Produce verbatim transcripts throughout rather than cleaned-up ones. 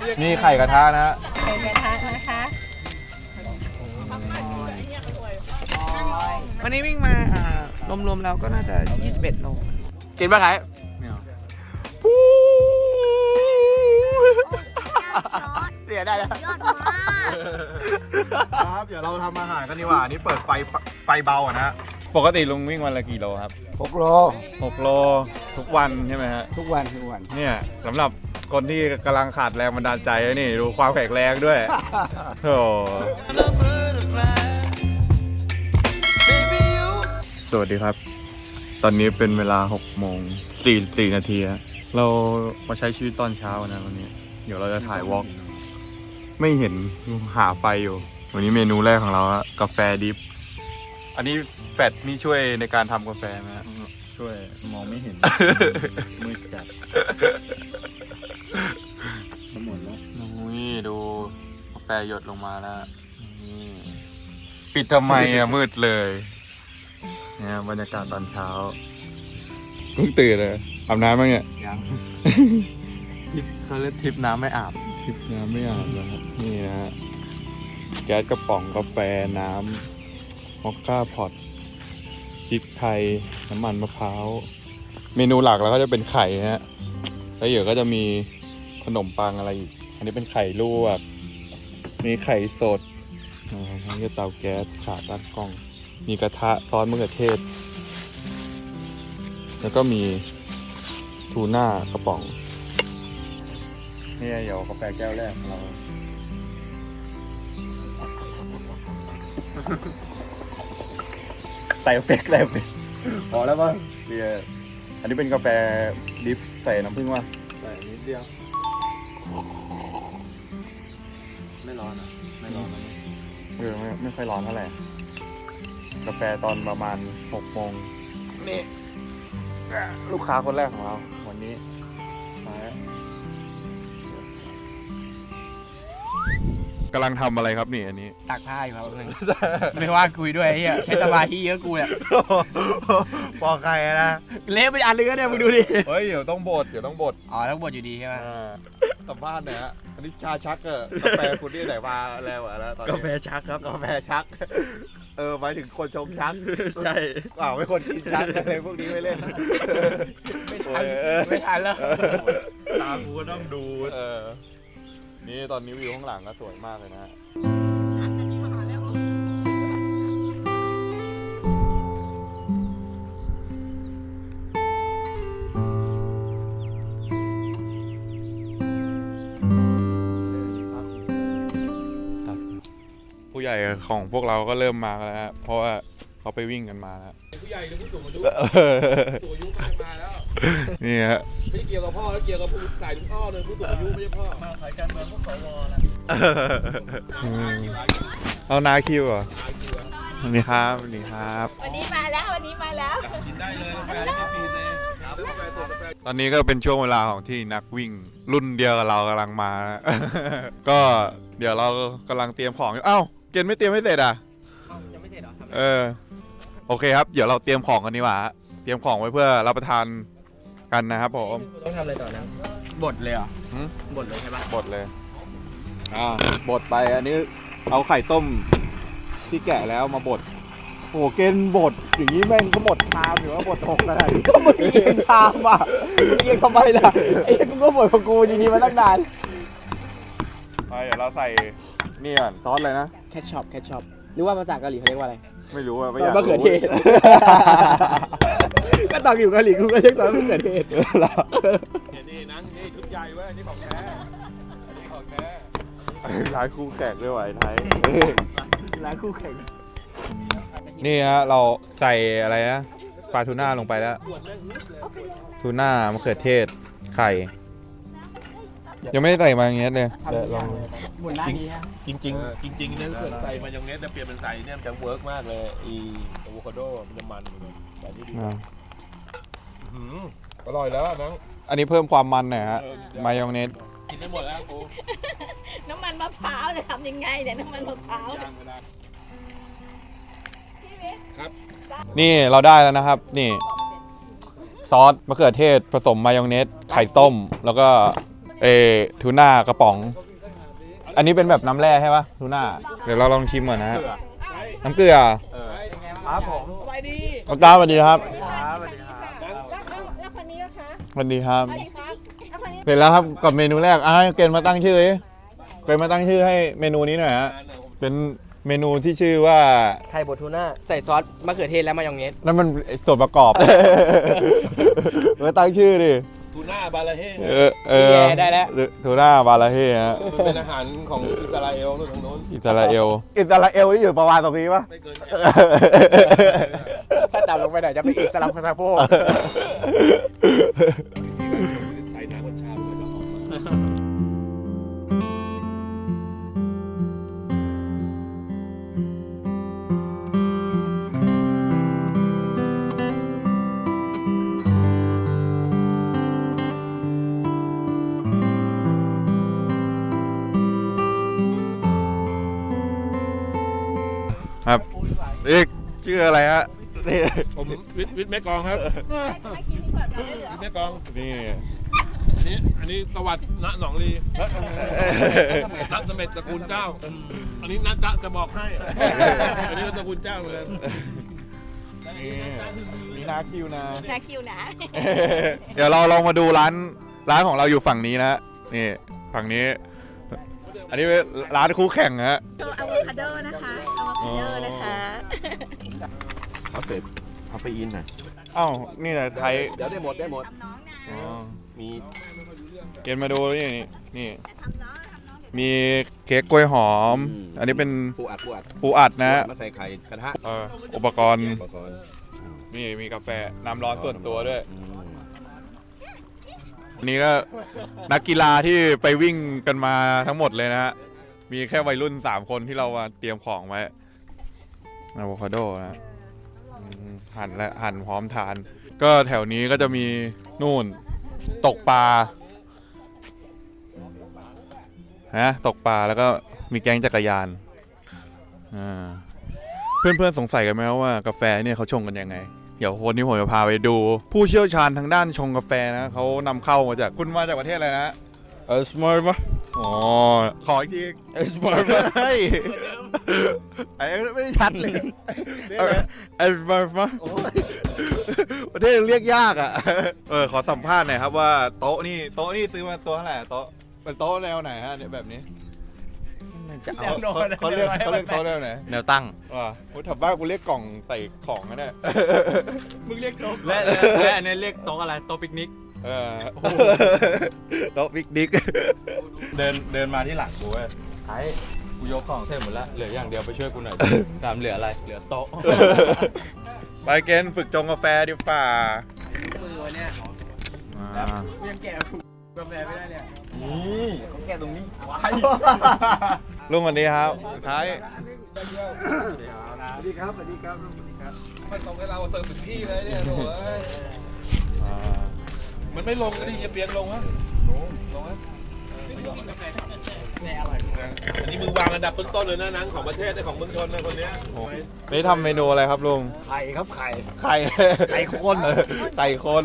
นี่ไข่กระทะนะไข่กระทะนะคะวันนี้วิ่งมาอ่ารวมๆแล้วก็น่าจะยี่สิบเอ็ดโลกินปะไทยเสียได้แล้วครับเดี๋ยวเราทำอาหารกันดีกว่านี่เปิดไฟไฟเบาอ่ะนะปกติลุงวิ่งวันละกี่โลครับหกโลหกโลทุกวันใช่ไหมฮะทุกวันทุกวันเนี่ยสำหรับคนที่กำลังขาดแรงบันดาลใจนี่ดูความแข็งแรงด้วยโอ้สวัสดีครับตอนนี้เป็นเวลาหกโมงสี่สิบสี่นาทีเรามาใช้ชีวิตตอนเช้านะวันนี้เดี๋ยวเราจะถ่ายวอล์กไม่เห็นหาไฟอยู่วันนี้เมนูแรกของเราอะกาแฟดิฟอันนี้แฟตนี่ช่วยในการทำกาแฟไหมช่วยมองไม่เห็น มืดจัดหมดแล้วนี่ดูกาแฟหยดลงมาแล้วนี่ปิดทำไมอะมืดเลยเนี่ยบรรยากาศตอนเช้าเพิ่งตื่นเลยอาบน้ำมั้งเนี่ยยังทิปเขาเรียกทิปน้ำไม่อาบทิปน้ำไม่อาบนะครับนี่นะฮะแก๊สกระป๋องกาแฟน้ำมอคค่าพอตพริกไทยน้ำมันมะพร้าวเมนูหลักแล้วก็จะเป็นไข่ฮะแล้วเดี๋ยวก็จะมีขนมปังอะไรอีกอันนี้เป็นไข่ลวกมีไข่สดอ่าทั้งเตาแก๊สขาตั้งกล้องมีกระทะซอสมะเขือเทศแล้วก็มีทูน่ากระป๋องนี่เดี๋ยวกาแฟแก้วแรกของเราใส่เฟกใส่เฟกพอแล้วป่ะเดี๋ยวอันนี้เป็นกาแฟดิฟใส่น้ำผึ้งว่ะใส่นิดเดียวไม่ร้อนอ่ะไม่ร้อนนะเออไม่ไม่ค่อยร้อนเท่าไหร่กาแฟตอนประมาณหกโมงนี่ลูกค้าคนแรกของเราวันนี้มากำลังทำอะไรครับนี่อันนี้ตักผ้าอยู่ครับนึงไม่ว่าคุยด้วยไอ้เหี้ยใช้สมาธิเยอะกูเนี่ยปอกไก่นะเละไปอันนึงก็เนี่ยมึงดูดิเฮ้ยเดี๋ยวต้องบดเดี๋ยวต้องบดอ๋อต้องบดอยู่ดีใช่ไหมสัมภาษณ์เนี่ยฮะอันนี้ชาชักเออกาแฟคุณนี่ไหนมาแล้วอะแล้วตอนนี้กาแฟชักครับกาแฟชักเออหมายถึงคนชงชักใช่เปล่าไม่คนกินชักอะไรพวกนี้ไม่เล่นไม่ทันไม่ทันแล้วตากูก็ต้องดูเออนี่ตอนนี้วิวข้างหลังก็สวยมากเลยนะผู้ใหญ่ของพวกเราก็เริ่มมาแล้วฮะเพราะว่าเขาไปวิ่งกันมาแล้วผู้ใหญ่หรือผู้สูงอายุผู้สูงอายุก็มาแล้วนี่ฮะไม่เกี่ยวกับพ่อแล้วเกี่ยวกับผู้สายลุงอ้อเลยผู้สูงอายุไม่ใช่พ่อมาสายการเมืองพวกสวแหละเอานาคิวเหรอสวัสดีครับสวัสดีครับวันนี้มาแล้ววันนี้มาแล้วกินได้เลยกาแฟฟรีเลยตอนนี้ก็เป็นช่วงเวลาของที่นักวิ่งรุ่นเดียวกับเรากำลังมาก็เดี๋ยวเรากำลังเตรียมของอยู่เอ้าเกณฑ์ไม่เตรียมไม่เสร็จอ่ะยังไม่เสร็จหรอเออโอเคครับเดี๋ยวเราเตรียมของกันดีกว่าเตรียมของไว้เพื่อรับประทานกันนะครับผมต้องทำอะไรต่อนะบดเลยเหรอบดเลยใช่ปะบดเลยอ่าบดไปอันนี้เอาไข่ต้มที่แกะแล้วมาบดโอ้เกณฑ์บดอย่างนี้แม่งก็หมดชามหรือว่าบดหกอะไรก็มึงเอียงชามอ่ะมึงเอียงทำไมล่ะไอ้กูก็บดของกูดีๆมาตั้งนานไปเดี๋ยวเราใส่นี่ก่อนซอสเลยนะแคชช็อปแคชช็อปนึกว่าภาษาเกาหลีเขาเรียกว่าอะไรไม่รู้อะไม่อยากรู้ซอสมะเขือเทศก็ตอนอยู่เกาหลีกูก็เรียกซอสมะเขือเทศนี่นั่งนี่ชุดใหญ่เว้ยนี่ของแท้นี่ของแท้ร้านคู่แข่งด้วยไอ้ไทยร้านคู่แข่งนี่ฮะเราใส่อะไรนะปลาทูน่าลงไปแล้วทูน่ามะเขือเทศไข่ยังไม่ได้ใส่มายองเนสเลยลองจริงจริงจริงจริงเนี่ยถ้าเกิดใส่มายองเนสจะเปลี่ยนเป็นใส่เนี่ยมันจะเวิร์กมากเลยอีอะโวคาโดมันจะมันแต่นี่ดีอร่อยแล้วนะอันนี้เพิ่มความมันหน่อยฮะมายองเนสกินได้หมดแล้วกูน้ำมันมะพร้าวจะทำยังไงเนี่ยน้ำมันมะพร้าวครับนี่เราได้แล้วนะครับนี่ซอสมะเขือเทศผสมมายองเนสไข่ต้มแล้วก็เออทูน่ากระป๋อง อันนี้เป็นแบบน้ำแร่ใช่ปะทูน่าเดี๋ยวเราลองชิมก่อนนะฮะน้ำเกลือครับผมสวัสดีน้องตาสวัสดีครับครับสวัสดีครับแล้วแล้วแล้วคนนี้ก็คะสวัสดีครับสวัสดีครับแล้วคนนี้เสร็จแล้วครับกับเมนูแรกอ่ะให้เกณฑ์มาตั้งชื่อดิเกณฑ์มาตั้งชื่อให้เมนูนี้หน่อยฮะเป็นเมนูที่ชื่อว่าไข่บดทูน่าใส่ซอสมะเขือเทศและมายองเนสนั่นมันส่วนประกอบ มาตั้งชื่อดิทูน่าบาลาเฮ่เออเออทูน่าบาลาเฮ่ฮะมันเป็นอาหารของอิสราเอลนู่นทางโน้นอิสราเอลอิสราเอลที่อยู่ประมาณตรงนี้ปะไม่เกินถ้าต่ำลงไปหน่อยจะเป็นอิสลามคาซาโพกใส่น้ำกัญชาด้วยแล้วออกมาครับเรียกชื่ออะไรฮะนี่ผมวิทย์วิทย์แม่กองครับให้กินดีกว่าเราได้เหลือวิทย์แม่กองนี่อันนี้อันนี้สวัสดิ์ณหนองลีนัทเสม็ดตระกูลเจ้า อันนี้นัทจะจะบอกให้ อันนี้ก็ตระกูลเจ้าเหมือนกันนี่มีนาคิวนะนาคิวนะเดี๋ยวเราลองมาดูร้านร้านของเราอยู่ฝั่งนี้นะนี่ฝั่งนี้ อันนี้เป็นร้านคู่แข่งฮะโชว์อะโวคาโดนะคะอะโวคาโดนะคะคาเฟ่คาเฟอีนหน่อยอ้าวนี่แหละไทยเดี๋ยวได้หมดได้หมดทำน้องนะอ๋อมีเกณฑ์มาดูนี่นี่นี่แต่ทำน้องทำน้องมีเค้กกล้วยหอม อันนี้เป็นปูอัดปูอัดปูอัดนะมาใส่ไข่กระทะเอออุปกรณ์อุปกรณ์นี่มีกาแฟน้ำร้อนส่วนตัวด้วยอืมอันนี้ก็นักกีฬาที่ไปวิ่งกันมาทั้งหมดเลยนะฮะ มีแค่วัยรุ่นสามคนที่เรามาเตรียมของไว้อะโวคาโดนะอืมหั่นและหั่นพร้อมทาน ก็แถวนี้ก็จะมีนู่นตกปลาฮะตกปลาแล้วก็มีแก๊งจักรยานอ่าเพื่อนๆสงสัยกันไหมว่ากาแฟเนี่ยเขาชงกันยังไง เดี๋ยววันนี้ผมจะพาไปดู ผู้เชี่ยวชาญทางด้านชงกาแฟนะเขานำเข้ามาจากคุณมาจากประเทศอะไรนะเออสมาร์ทปะอ๋อ ขออีกทีเออสมาร์ทปะเฮ้ยไอ้ไม่ชัดเลยเออสมาร์ทปะประเทศเรียกยากอ่ะ เออ ขอสัมภาษณ์หน่อยครับว่าโต๊ะนี่โต๊ะนี่ซื้อมาตัวเท่าไหร่โต๊ะเป็นโต๊ะแนวไหนฮะเนี่ยแบบนี้เขาเขาเรียกเขาเรียกโต๊ะแนวไหนแนวตั้งว่ะโอ้ถับบ้านกูเรียกกล่องใส่ของนะเนี่ยมึงเรียกโต๊ะและและและอันนี้เรียกโต๊ะอะไรโต๊ะปิกนิกเออโต๊ะบิ๊กดิ๊กเดินเดินมาที่หลังกูเว้ยไอ้กูยกของเสร็จหมดแล้วเหลืออย่างเดียวไปช่วยกูหน่อย ถามเหลืออะไรเหลือโต๊ะไปเกณฑ์ฝึกจงกาแฟดีฝ่ามือวันเนี้ยอ่ากูยังแกะกาแฟไม่ได้เลยนี่เขาแค่ตรงนี้ลุงวันนี้ครับสุดท้ายสวัสดีครับสวัสดีครับสวัสดีครับมันส่งให้เราเติมถึงที่เลยเนี่ยโถ่เอ้ยอ่ามันไม่ลงดิจะเปลี่ยนลงฮะลงลงฮะอันนี้มึงวางอันดับต้นๆเลยนะหนังของประเทศในของเมืองชนนะคนเนี้ยนี่ทำเมนูอะไรครับลุงไข่ครับไข่ไข่ไข่คนเออไข่คน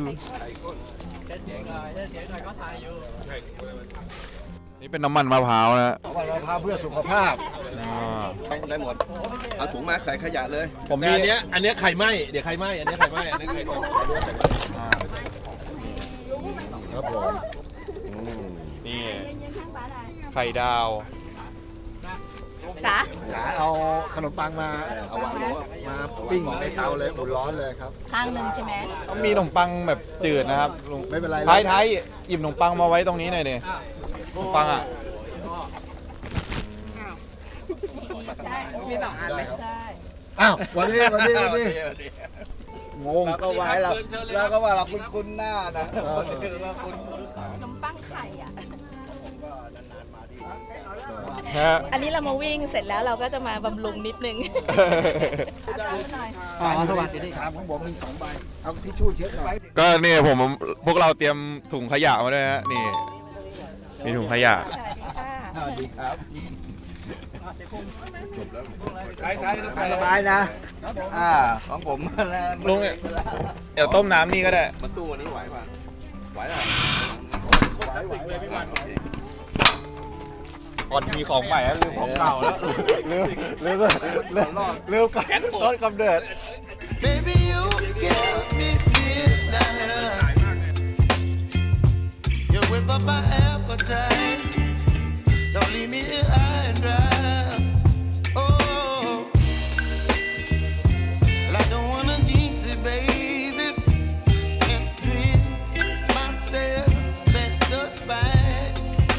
นี่เป็นน้ำมันมะพร้าวนะวันมะพร้าวเพื่อสุขภาพอ่าได้หมดเอาถุงมาใส่ขยะเลยผมแต่มีอันเนี้ยอันเนี้ยไข่ไหมเดี๋ยวไข่ไหมอันเนี้ยไข่ไหมอันนี้ไข่คนอ่าครับผมนี่ไข่ดาวจ๋าหาเอาขนมปังมาเอาวางลงมาปิ้งในเตาเลยอุ่นร้อนเลยครับข้างหนึ่งใช่ไหมต้องมีขนมปังแบบจืดนะครับลุงไม่เป็นไรท้ายท้ายหยิบขนมปังมาไว้ตรงนี้หน่อยดิขนมปังอ่ะใช่มีสองอันเลยใช่อ้าววันนี้วันนี้วันนี้งงก็ไว้เราแล้วก็ว่าเราคุ้นคุ้นหน้านะเราคุ้นขนมปังไข่อ่ะฮะอันนี้เรามาวิ่งเสร็จแล้วเราก็จะมาบำรุงนิดนึงอาจารย์หน่อยอ่าสวัสดีครับของผมมีสองใบเอาทิชชู่เช็ดหน่อยก็นี่ผมพวกเราเตรียมถุงขยะมาด้วยฮะนี่มีถุงขยะสวัสดีค่ะสวัสดีครับไข่ไข่ไข่สบายนะอ่าของผมนะลุงเนี่ยเดี๋ยวต้มน้ำนี่ก็ได้มาสู้วันนี้ไหวป่ะไหวป่ะก่อนมีของใหม่แล้วลืมของเก่าแล้วลืมลืมลืมลืมกับต้นกำเนิด Baby, you give me midnight. You whip up my appetite. Don't leave me here high and dry. Oh, well, I don't wanna jinx it, baby, and twist myself at the spine.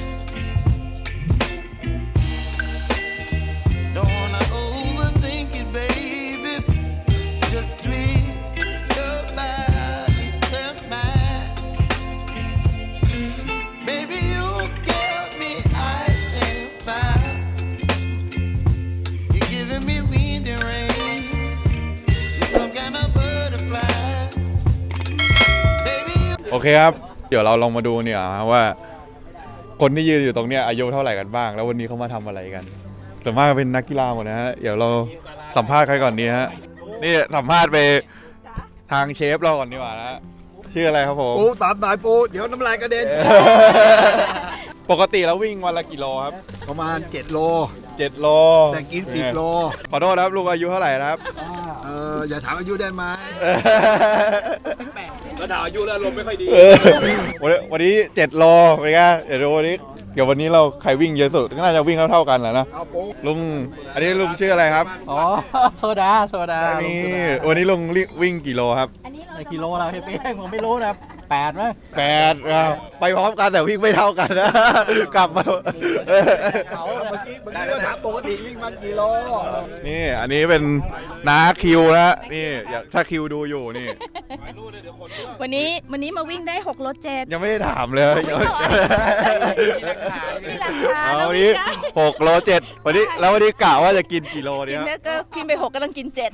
Don't wanna overthink it, baby. Just twist your body and mine. Baby, you give me ice and fire. You're giving me wind and rain. You're some kind of butterfly. Baby, you โอเคครับ เดี๋ยวเราลองมาดูเนี่ยว่า คนที่ยืนอยู่ตรงเนี้ยอายุเท่าไหร่กันบ้าง แล้ววันนี้เขามาทำอะไรกันส่วนมากเป็นนักกีฬาหมดนะฮะ เดี๋ยวเราสัมภาษณ์ใครก่อนดีฮะ นี่สัมภาษณ์ไปทางเชฟเราก่อนดีกว่านะชื่ออะไรครับผมปูตามสายปูเดี๋ยวน้ำลายกระเด็นปกติแล้ววิ่งวันละกี่โลครับประมาณเจ็ดโลเจ็ดโลแต่กินสิบโลขอโทษครับลุงอายุเท่าไหร่นะครับเอออย่าถามอายุได้ไหมแล้วถามอายุแล้วลมไม่ค่อยดีวันนี้วันนี้เจ็ดโลเป็นไงเดี๋ยวดูวันนี้เดี๋ยววันนี้เราใครวิ่งเยอะสุดก็น่าจะวิ่งเท่าๆกันแหละนะเอาปูลุงอันนี้ลุงชื่ออะไรครับอ๋อโซดาโซดานี่วันนี้ลุงวิ่งกี่โลครับอันนี้เรากิโลเราเพี่ผมไม่รู้นะแปดไหมแปดครับไปพร้อมกันแต่วิ่งไม่เท่ากันนะ กลับมาเขาเมื่อกี้เมื่อกี้ก็ถามปกติวิ่งมันกี่โลนี่อันนี้เป็นน้าคิวนะนี่อยากถ้าคิวดูอยู่นี่วันนี้วันนี้มาวิ่งได้หกโลเจ็ดยังไม่ได้ถามเลยยังไม่มีหลักฐานเอาแล้ววันนี้ได้หกโลเจ็ดวันนี้แล้ววันนี้กะว่าจะกินกี่โลกิเนี่นยแล้วก็กินไปหกกำลังกินเจ็ด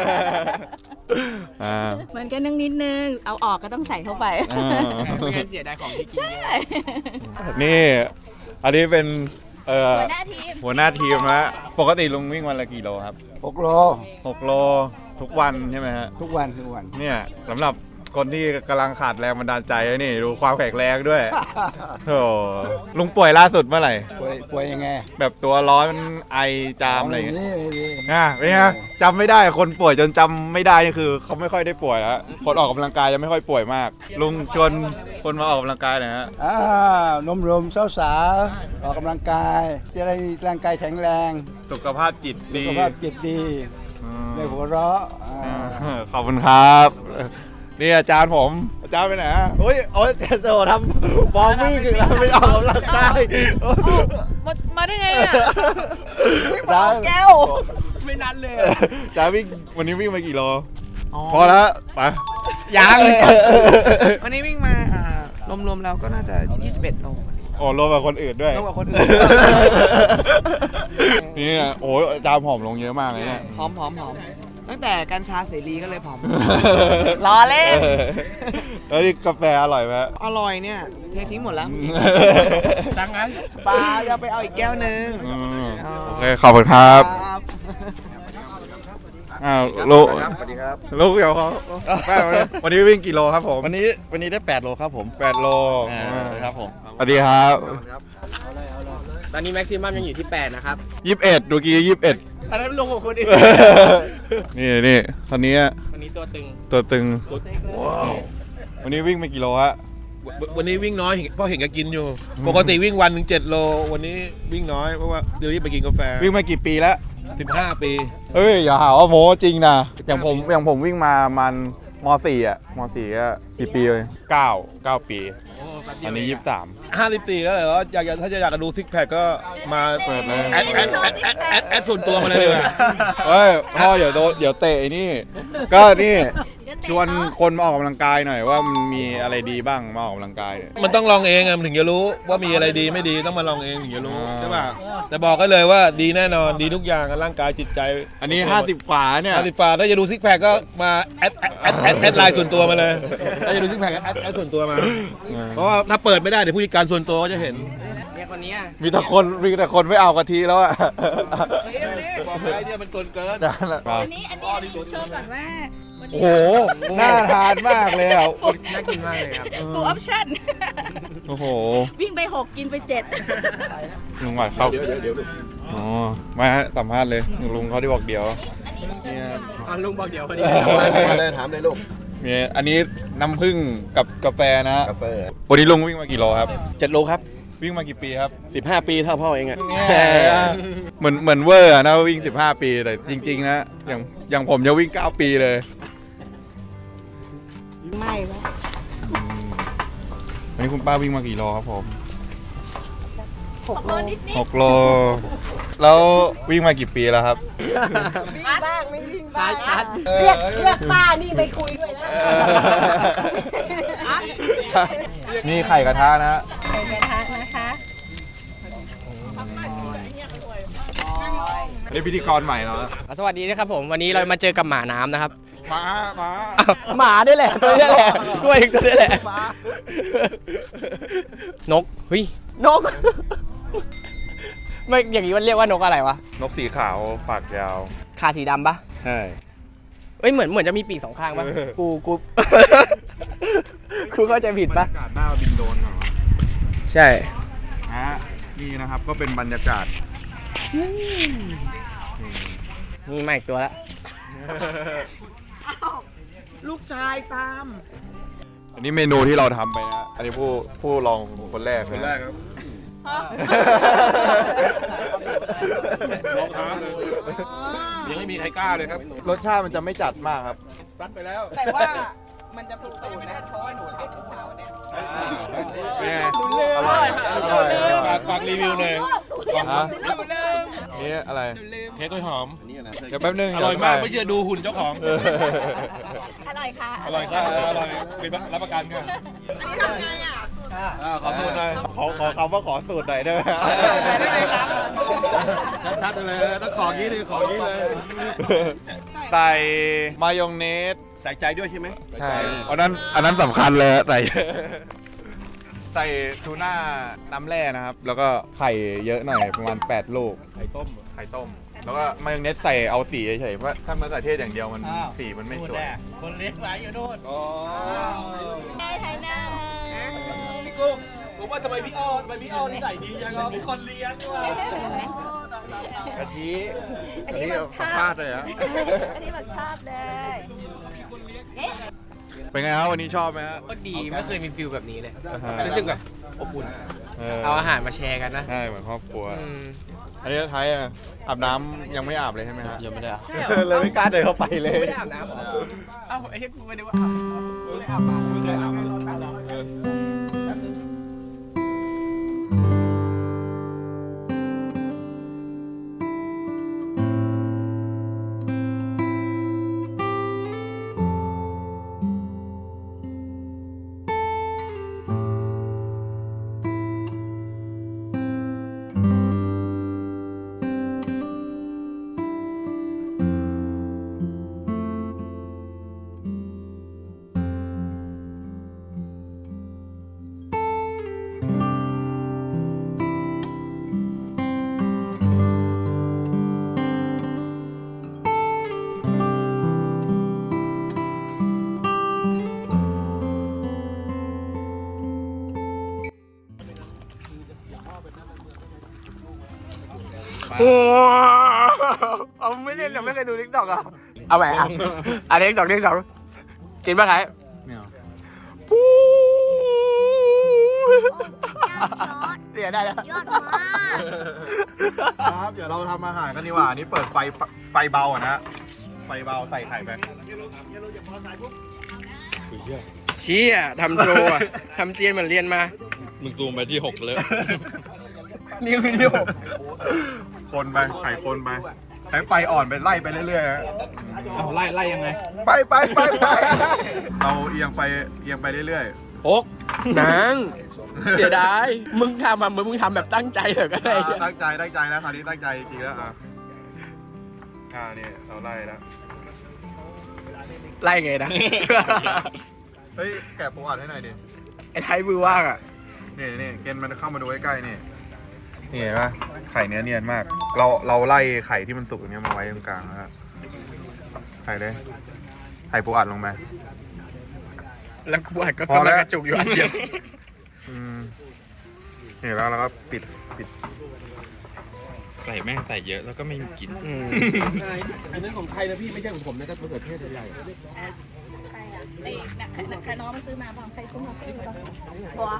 อ่าเหมือนกันนั่งนิดนึง เอาออกก็ต้องใส่เข้าไปอ่าไม่งั้นเสียดายของที่กินใช่นี่อันนี้เป็นเอ่อหัวหน้าทีมหัวหน้าทีมนะปกติลุงวิ่งวันละกี่โลครับหกโลหกโลทุกวันใช่ไหมฮะทุกวันทุกวันเนี่ยสำหรับคนที่กำลังขาดแรงบันดาลใจนี่ดูความแข็งแรงด้วยโอ้ลุงป่วยล่าสุดเมื่อไหร่ป่วยป่วยยังไงแบบตัวร้อนไอจามอะไรอย่างเงี้ยนี่นี่นะเป็นไงจำไม่ได้คนป่วยจนจำไม่ได้นี่คือเขาไม่ค่อยได้ป่วยแล้วคนออกกำลังกายจะไม่ค่อยป่วยมาก ลุงชวนคนมาออกกำลังกายหน่อยฮะอ่านมรมสาวสาวๆออกกำลังกาย จะได้มีร่างกายแข็งแรงสุขภาพจิตสุดีขภาพจิตดีอืมได้หัวเราะอ่าอ่าขอบคุณครับนี่อาจารย์ผมอาจารย์ไปไหนฮะโอ้ยโอ้ยเจโซทำบอมวิ่งแล้วไม่ออกกำลังกายมามาได้ไงอ่ะอาจารย์แก้วไม่นัดเลยอาจารย์วิ่งวันนี้วิ่งมากี่โลพอแล้วไปยังวันนี้วิ่งมาอ่ารวมๆแล้วก็น่าจะยี่สิบเอ็ดโลโอ้รวมกับคนอื่นด้วยรวมกับคนอื่นนี่โอ้ยอาจารย์ผอมลงเยอะมากเลยเนี่ยผอมผอมผอมตั้งแต่กัญชาเสรีก็เลยผอมรอเล่นแล้วนี่กาแฟอร่อยไหมอร่อยเนี่ยเททิ้งหมดแล้วดังนั้นปลาจะไปเอาอีกแก้วหนึงอืมโอเคขอบคุณครับครับอ้าวลูกสวัสดีครับลูกเดี๋ยวเขาแม่วันนี้วิ่งกี่โลครับผมวันนี้วันนี้ได้แปดโลครับผมแปดโลครับผมสวัสดีครับตอนนี้แม็กซิมัมยังอยู่ที่แปดนะครับยี่สิบเอ็ดดูกี้ยี่สิบเอ็ดอันนั้นลงกับคนอื่นนี่นี่คนนี้วันนี้ตัวตึงตัวตึงวันนี้วิ่งไปกี่โลฮะวันนี้วิ่งน้อยเห็นเพราะเห็นแกกินอยู่ ปกติวิ่งวันหนึ่งเจ็ดโล วันนี้วิ่งน้อยเพราะว่าเดี๋ยวรีบไปกินกาแฟวิ่งมากี่ปีแล้วสิบห้าปีเอ้ยอย่าหาว่าโม้จริงนะอย่างผมอย่างผมวิ่งมามันมสี่อ่ะมสี่ก็กี่ปีเลยเก้าเก้าปีอันนี้ยี่สิบสามห้าสิบสี่แล้วเหรออยากจะถ้าจะอยากจะดูซิกแพคก็มาเปิดเลยแอดแอดแอดแอดแอดแอดส่วนตัวมาเลยดีกว่าเฮ้ยพ่อเดี๋ยวโดนเดี๋ยวเตะไอ้นี่ ก็นี่ชวนคนมาออกกำลังกายหน่อยว่ามันมีอะไรดีบ้างมาออกกำลังกายเนี่ยมันต้องลองเองอะมันถึงจะรู้ว่ามีอะไรดีไม่ดีต้องมาลองเองถึงจะรู้อ่าใช่ป่ะแต่บอกกันเลยว่าดีแน่นอนดีทุกอย่างร่างกายจิตใจอันนี้ห้าสิบกว่าเนี่ยห้าสิบฝาถ้าจะดูซิกแพคก็มาแอดแอดแอดแอดแอดไลน์ส่วนตัวมาเลยถ้าจะดูซิกแพคแอดแอดส่วนตัวมา เพราะว่าถ้าเปิดไม่ได้เดี๋ยวผู้จัดการส่วนตัวก็จะเห็นเนี่ยคนนี้มีแต่คนมีแต่คนไม่เอากะทิแล้วอ่ะบอกเลยเนี่ยมันเกินเกินอันนี้อันนี้อันนี้โชว์ก่อนว่าวันโอ้นี้โหน่าทานมากเลยอ่ะน่ากินมากเลยครับฟูลออปชั่นโอ้โหวิ่งไปหกกินไปเจ็ดลุงหวัดเขาอ๋อมาสัมภาษณ์เลยลุงเขาที่บอกเดี๋ยวเนี่ยลุงบอกเดี๋ยวพอดีมาเลยถามเลยลูกมีอันนี้น้ำผึ้งกับกาแฟนะกาแฟวันนี้ลุงวิ่งมากี่โลครับเจ็ดโลครับวิ่งมากี่ปีครับสิบห้าปีเท่าพ่อเองอะเหมือนเหมือนเวอร์อะนะวิ่งสิบห้าปีแต่จริงๆนะอย่างอย่างผมจะวิ่งเก้าปีเลยไม่วะวันนี้คุณป้าวิ่งมากี่โลครับผมหกโลนิดนิดหกโลแล้ววิ่งมากี่ปีแล้วครับวิ่งบ้างไม่วิ่งบ้างเรียกเรียกป้านี่ไปคุยด้วยนะนี่ไข่กระทะนะไข่กระทะนะคะอันนี้พิธีกรใหม่เนาะสวัสดีนะครับผมวันนี้เรามาเจอกับหมาน้ำนะครับมามาหมาด้วยแหละตัวนี้แหละตัวเองตัวนี้แหละนกเฮ้ยนกไม่อย่างนี้มันเรียกว่านกอะไรวะนกสีขาวปากยาวขาสีดำปะใช่เอ้ยเหมือนเหมือนจะมีปีกสองข้างปะกูกูกูเข้าใจผิดปะบรรยากาศหน้าบินโดรนเหรอใช่ฮะนี่นะครับก็เป็นบรรยากาศนี่มาอีกตัวละลูกชายตามอันนี้เมนูที่เราทำไปนะอันนี้ผู้ผู้ลองคนแรกคนแรกครับลองท้าเลยยังไม่มีใครกล้าเลยครับรสชาติมันจะไม่จัดมากครับซัดไปแล้วแต่ว่ามันจะผิดสูตรนะเพราะว่าหนูทำเมื่อเช้าเนี่ยเป็นไงอร่อยอร่อยอร่อยฝากฝากรีวิวหน่อยฮะนี่อะไรเค้กกล้วยหอมเดี๋ยวแป๊บนึงอร่อยมากไม่เชื่อดูหุ่นเจ้าของเอออร่อยค่ะอร่อยครับอร่อยเป็นรับประกันครับอันนี้ทำไงอ่ะขอโทษหน่อยขอขอคำว่าขอสูตรหน่อยได้ไหมได้เลยครับชัดเลยต้องของี้เลยของี้เลยใส่มายองเนสใส่ใจด้วยใช่ไหมใช่อันนั้นอันนั้นสำคัญเลยใส่ ใส่ทูน่าน้ำแร่นะครับ แล้วก็ไข่เยอะหน่อยประมาณแปดลูกไข่ต้มไข่ต้ม แล้วก็มายองเนสใส่เอาสีเฉยๆเพราะถ้ามะเขือเทศอย่างเดียวมันสีมันไม่สวยคนเลี้ยงไว้อยู่นู่นได้ไทยหน้าพี่กุ้งผมว่าทำไมพี่อ้อนทำไมพี่อ้อนนิสัยดีจังอ่ะเป็นคนเลี้ยงด้วยกะทิอันนี้แบบชอบพลาดเลยอะอันนี้แบบชอบเลยเอ๊ะเป็นไงครับวันนี้ชอบไหมฮะก็ดีไม่เคยมีฟิลแบบนี้เลยอ่าฮะรู้สึกแบบอบอุ่นเออเอาอาหารมาแชร์กันนะใช่เหมือนครอบครัวอืมอันนี้ไทยอ่ะอาบน้ำยังไม่อาบเลยใช่ไหมฮะยังไม่ได้อาบเลยไม่กล้าเดินเข้าไปเลยไม่ได้อาบน้ำเหรอเอ้าไอ้ที่กูไม่ได้ว่าอาบกูไม่ได้อาบน้ำไม่ได้อาบน้ำ โอ้เอาไม่เล่นหรอไม่เคยดูทิกตอกอ่ะเอาใหม่อ่ะอันนี้ทิกตอกทิกตอกกินป่ะไทยไม่เอาปูเสียได้แล้วยอดมากครับเดี๋ยวเราทำอาหารกันดีกว่านี่เปิดไฟไฟเบาอ่ะนะไฟเบาใส่ไข่ไปเชี่ยทำโชว์อ่ะทำเซียนเหมือนเรียนมามึงซูมไปที่หกเลยนี่คือที่หกคนไปไข่คนไปใช้ไฟอ่อนไปไล่ไปเรื่อยๆฮะไล่ไล่ยังไงไปไปไปไปเราเอียงไปเอียงไปเรื่อยหกนางเสียดาย มึงทำอ่ะมึงมึงทำแบบตั้งใจเถอะก็ๆได้อ่าตั้งใจตั้งใจแล้วคราวนี้ตั้งใจจริงๆแล้วอ่ะอ่านี่เราไล่แล้วไล่ไงนะเฮ้ยแกะปูอัดให้หน่อยดิไอ้ไทยมือว่างอ่ะนี่นี่เกณฑ์มันเข้ามาดูใกล้ๆนี่นี่เห็นปะไข่เนื้อเนียนมาก เราเราไล่ไข่ที่มันสุกอย่างเงี้ยมาไว้ตรงกลางแล้วไข่เลยไข่ปูอัดลงไปแล้วกูอัดก็พอแล้วกำลังกระจุกอยู่อันเดียวอืมนี่แล้วเราก็ปิดปิดใส่แม่งใส่เยอะแล้วก็ไม่มีกลิ่นอันนั้นของใครนะพี่ไม่ใช่ของผมนะครับมะเขือเทศใหญ่ไอ้นักน้องมาซื้อมาบ้างใครซื้อมาเป็นบ้างบัว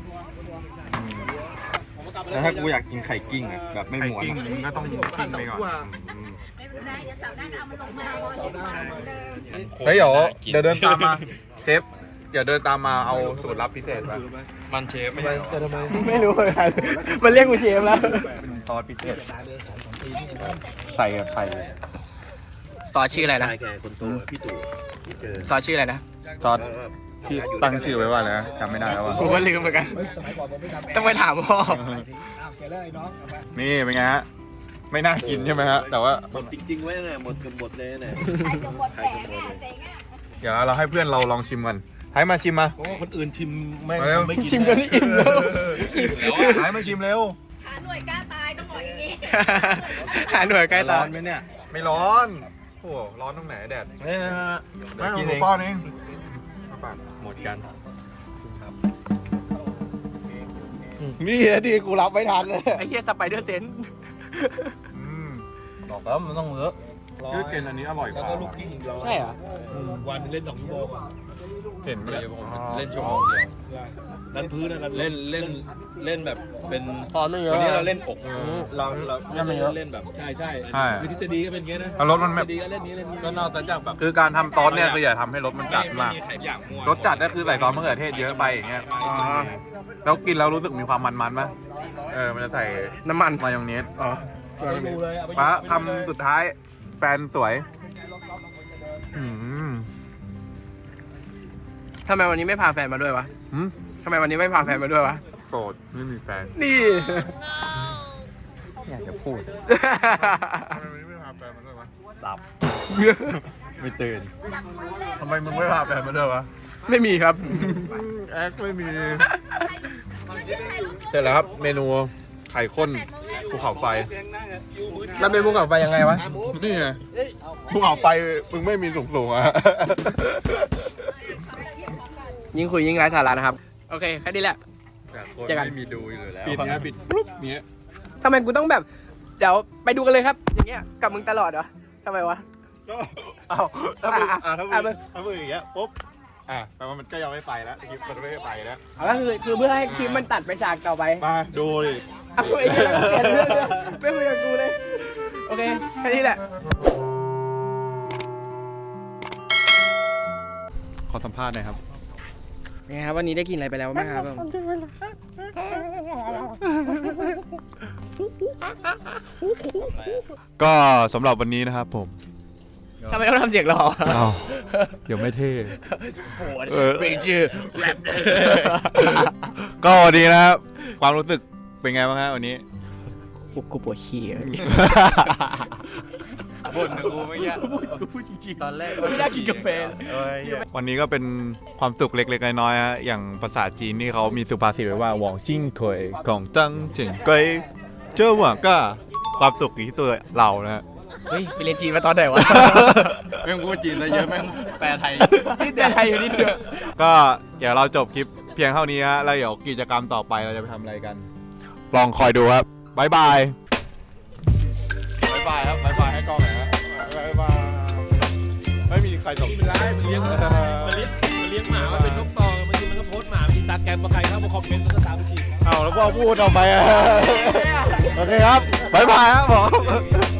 แล้วถ้ากูอยากกินไข่กิ้งอ่ะแบบไม่ไข่ม้วนกิ้งอะก็ต้องกิ้งไปก่อนไม่เป็นไรเดี๋ยวเสาร์หน้าเอามันลงมาเฮ้ยเดี๋ยวเดี๋ยวเดินตามมาเชฟเดี๋ยวเดินตามมาเอาสูตรลับพิเศษมามันเชฟไม่ใช่ไม่รู้เหมือนกันมันเรียกกูเชฟแล้วเป็นซอสพิเศษใส่กับไข่ซอสชื่ออะไรนะแกคนโตพี่ตู่ซอสชื่ออะไรนะซอสที่ตั้งชื่อไว้ว่าอะไรนะจำไม่ได้แล้วว่าผมก็ลืมเหมือนกันสมัยก่อนผมไม่ทำต้องไปถามพ่ออ้าวเสียแล้วไอ้น้องเอามานี่เป็นไงฮะไม่น่ากินใช่ไหมฮะแต่ว่าหมดจริงๆไว้เนี่ยหมดเกือบหมดเลยเนี่ยใครจะหมดแผงอ่ะเจ๊งอ่ะเดี๋ยวเราให้เพื่อนเราลองชิมกันให้มาชิมมาเพราะว่าคนอื่นชิมแม่งมาเร็วไม่กินชิมจนอิ่มแล้วให้มาชิมเร็วหาหน่วยกล้าตายต้องบอกอย่างนี้หาหน่วยใกล้ตาร้อนไหมเนี่ยไม่ร้อนโอ้โหร้อนตรงไหนแดดไม่ไม่ไม่ไม่กินหเอมูงป้อนเองหมดกันนี่ที่กูรับไม่ทันเลยไอ้เหี้ยสไปเดอร์เซนอืมบอกแล้วมันต้องเลอะยืดเกนอันนี้อร่อยกแล้วว่าก็ลูกกิ้งเราใช่เหรอวันเล่นสองชั่วโมงเห็นไหมเดี๋ยวผมเล่นชั่วโมงเดียวดันพื้นนะเล่นเล่นเล่นแบบเป็นพอไม่เยอะวันนี้เราเล่นอกเราเรายังไม่เยอะเล่นแบบใช่ใช่ใช่วิธีจะดีก็เป็นอย่างเงี้ยนะแล้วรสมันแบบดีก็เล่นนี้เล่นนี้ก็นอกจากแบบคือการทำซอสเนี่ยคืออย่าทำให้รสมันจัดมากไไไข่อยากมัวรสจัดก็คือใส่ซอสมะเขือเทศเยอะไปอย่างเงี้ยแล้วกินแล้วรู้สึกมีความมันๆป่ะเออมันจะใส่น้ำมันมายองเนสอ๋อไม่ดูเลยเอาไปป้าคำสุดท้ายแฟนสวยอืมทำไมวันนี้ไม่พาแฟนมาด้วยวะหืมทำไมวันนี้ไม่พาแฟนมาด้วยวะโสดไม่มีแฟนนี่อยากจะพูดทำไมไม่พาแฟนมาด้วยวะไม่ตื่นทำไมมึงไม่พาแฟนมาด้วยวะไม่มีครับแอคไม่มีเสร็จแล้วครับเมนูไข่ข้นภูเขาไฟแล้วเป็นภูเขาไฟยังไงวะนี่ไงภูเขาไฟมึงไม่มีสูงๆอ่ะยิ่งคุยยิ่งไร้สาระนะครับ โอเคแค่นี้แหละ เจอกันไม่มีดูอยู่แล้วปิดเนี้ยปิดปุ๊บเนี้ยทำไมกูต้องแบบ เดี๋ยวไปดูกันเลยครับ อย่างเงี้ยกับมึงตลอดเหรอทำไมวะก็เอาถ้ามึงอ่ะอ่ะถ้ามึอ่ะงมึงถ้ามึงอย่างเงี้ยปุ๊บอ่ะแปลว่ามันก็ยังไม่ไปแล้วคลิปมันไม่ไปแล้วเอาก็คือคือเพื่อให้คลิปมันตัดไปฉากต่อไปมาดูดิเอาไอ้เหี้ยเปลี่ยนเรื่องเลยไม่คุยกับกูเลย โอเคแค่นี้แหละขอสัมภาษณ์หน่อยครับไงครับวันนี้ได้กินอะไรไปแล้วบ้างครับก็สำหรับวันนี้นะครับผมทำไมต้องทำเสียงหล่ออ้าวเดี๋ยวไม่เท่เออเป็นชื่อแรปก็วันนี้นะครับความรู้สึกเป็นไงบ้างฮะวันนี้กูปวดขี้อะบ่นกับกูไม่ยากตอนแรกอยากกินกาแฟวันนี้ก็เป็นความสุขเล็กๆน้อยๆฮะอย่างภาษาจีนนี่เขามีสุภาษิตไว้ว่าหวังจิ้งถวยของจังเฉิงเกยเจ้าหวังก็ความสุขอยู่ที่ตัวเรานะฮะเฮ้ยไปเรียนจีนมาตอนไหนวะแม่งพูดจีนซะเยอะแม่งแปลไทยนี่แต่ไทยอยู่นิดเดียวก็เดี๋ยวเราจบคลิปเพียงเท่านี้ฮะแล้วเดี๋ยวกิจกรรมต่อไปเราจะไปทำอะไรกัน ลองคอยดูครับบ๊ายบายบ๊ายบายครับบ๊ายบายให้กล้องหน่อยฮะบ๊ายบายไม่มีใครส่งไม่เป็นไรมันเลี้ยงมันเลี้ยงมันเลี้ยงหมามันเป็นนกตองบางทีมันก็โพสต์หมาบางทีตาแกรมมาใครเข้ามาคอมเมนต์มันก็ตามไปทีเอาแล้วพ่อพูดออกไปอะโอเคครับบ๊ายบายครับผม